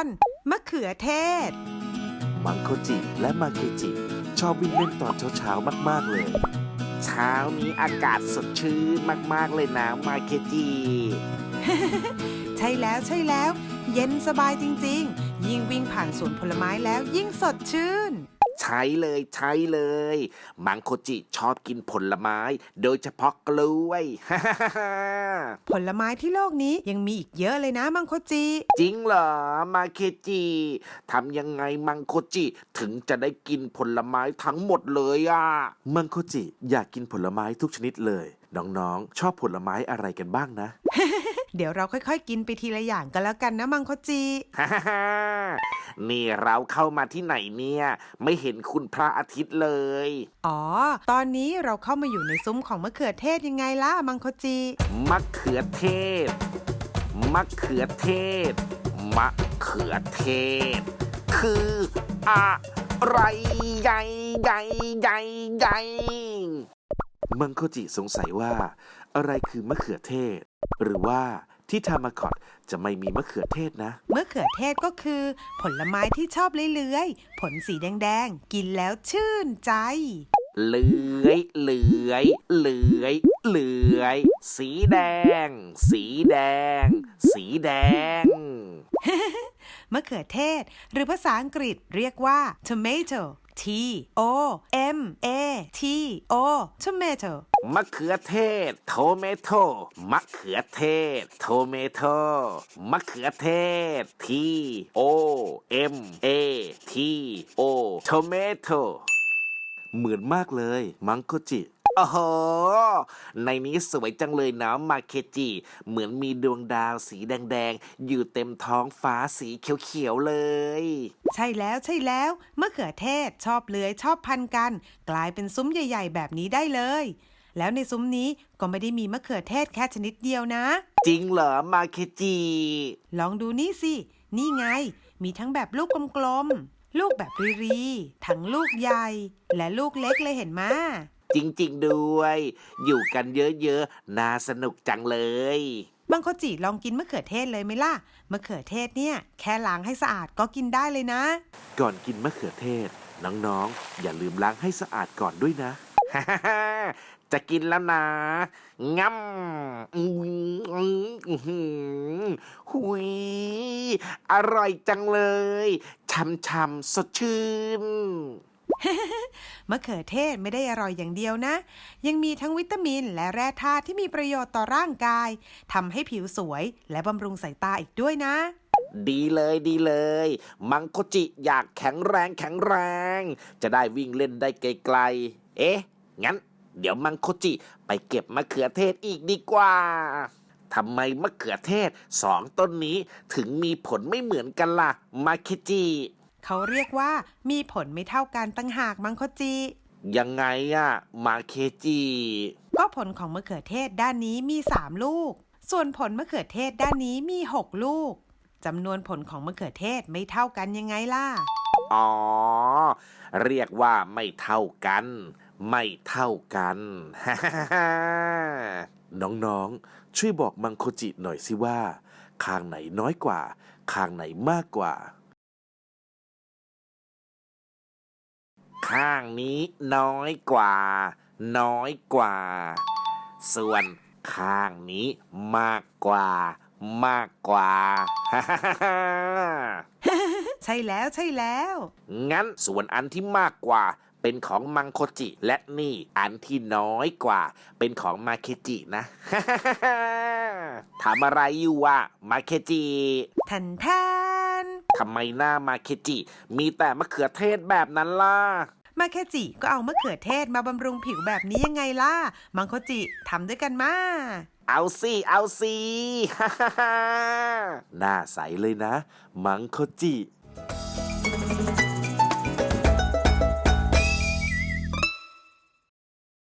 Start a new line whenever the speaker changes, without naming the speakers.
อนมะเขือเทศ
มังโคจิและมาเคจิชอบวิ่งเล่นตอนเช้าๆมากๆเลยเช้านี้อากาศสดชื่นมากๆเลยนะมาเคจิ
ใช่แล้วใช่แล้วเย็นสบายจริงๆยิ่งวิ่งผ่านสวนผลไม้แล้วยิ่งสดชื่น
ใช่เลยมังโคจิชอบกินผลไม้โดยเฉพาะกล้วย
ผลไม้ที่โลกนี้ยังมีอีกเยอะเลยนะมังคจิ
จริงเหรอมาเคจิทำยังไงมังโคจิถึงจะได้กินผลไม้ทั้งหมดเลยอ่ะมังโคจิอยากกินผลไม้ทุกชนิดเลยน้องๆชอบผลไม้อะไรกันบ้างนะ
เดี๋ยวเราค่อยๆกินไปทีละอย่างกันแล้วกันนะมังคจิ
นี่เราเข้ามาที่ไหนเนี่ยไม่เห็นคุณพระอาทิตย์เลย
อ๋อตอนนี้เราเข้ามาอยู่ในซุ้มของมะเขือเทศยังไงล่ะมังคจิ
มะเขือเทศมะเขือเทศมะเขือเทศคืออะไรใหญ่มังโคจิสงสัยว่าอะไรคือมะเขือเทศหรือว่าที่ทามาคอตจะไม่มีมะเขือเทศนะ
มะเขือเทศก็คือผลไม้ที่ชอบเลื้อยๆผลสีแดงๆกินแล้วชื่นใจ
เลื้อยสีแดง
มะเขือเทศหรือภาษาอังกฤษเรียกว่า tomato T O M A T O tomato
มะเขือเทศโทเมโตมะเขือเทศโทเมโตมะเขือเทศ T O M A T O โทเมโตเหมือนมากเลยมังโคจิโอ้โหในนี้สวยจังเลยนะมาเคจิเหมือนมีดวงดาวสีแดงๆอยู่เต็มท้องฟ้าสีเขียวๆเลย
ใช่แล้วมะเขือเทศชอบเลื้อยชอบพันกันกลายเป็นซุ้มใหญ่ๆแบบนี้ได้เลยแล้วในซุ้มนี้ก็ไม่ได้มีมะเขือเทศแค่ชนิดเดียวนะ
จริงเหรอมาเคจิ
ลองดูนี่สินี่ไงมีทั้งแบบลูกกลมๆลูกแบบรีๆทั้งลูกใหญ่และลูกเล็กเลยเห็นไหม
จริงๆด้วยอยู่กันเยอะๆน่าสนุกจังเลย
บางคนจีลองกินมะเขือเทศเลยไหมล่ะมะเขือเทศเนี่ยแค่ล้างให้สะอาดก็กินได้เลยนะ
ก่อนกินมะเขือเทศน้องๆอย่าลืมล้างให้สะอาดก่อนด้วยนะ จะกินแล้วนะง่ำหุยอร่อยจังเลยช่ำๆสดชื่น
มะเขือเทศไม่ได้อร่อยอย่างเดียวนะยังมีทั้งวิตามินและแร่ธาตุที่มีประโยชน์ต่อร่างกายทำให้ผิวสวยและบำรุงสายตาอีกด้วยนะ
ดีเลยมังโคจิอยากแข็งแรง จะได้วิ่งเล่นได้ไกลๆเอ๊ะงั้นเดี๋ยวมังโคจิไปเก็บมะเขือเทศอีกดีกว่าทำไมมะเขือเทศสองต้นนี้ถึงมีผลไม่เหมือนกันล่ะมาเคจิ
เขาเรียกว่ามีผลไม่เท่ากันตั้งหากมังคจิ
ยังไงอะมาเคจิ
ก็ผลของมะเขือเทศด้านนี้มี3ลูกส่วนผลมะเขือเทศด้านนี้มี6ลูกจำนวนผลของมะเขือเทศไม่เท่ากันยังไงล่ะ
อ๋อเรียกว่าไม่เท่ากัน น้องๆช่วยบอกมังโคจิหน่อยสิว่าข้างไหนน้อยกว่าข้างไหนมากกว่าข้างนี้น้อยกว่าส่วนข้างนี้มากกว่า
ใช่แล้ว
งั้นส่วนอันที่มากกว่าเป็นของมังโคจิและนี่อันที่น้อยกว่าเป็นของมาเคจินะ ทำอะไรอยู่วะมาเคจิ
แทน
ทำไมหน้ามาเคจิมีแต่มะเขือเทศแบบนั้นล่ะ
มาเคจิก็เอามะเขือเทศมาบำรุงผิวแบบนี้ยังไงล่ะมังโคจิทำด้วยกันมา
เอาสิ หน้าใสเลยนะมังโคจิ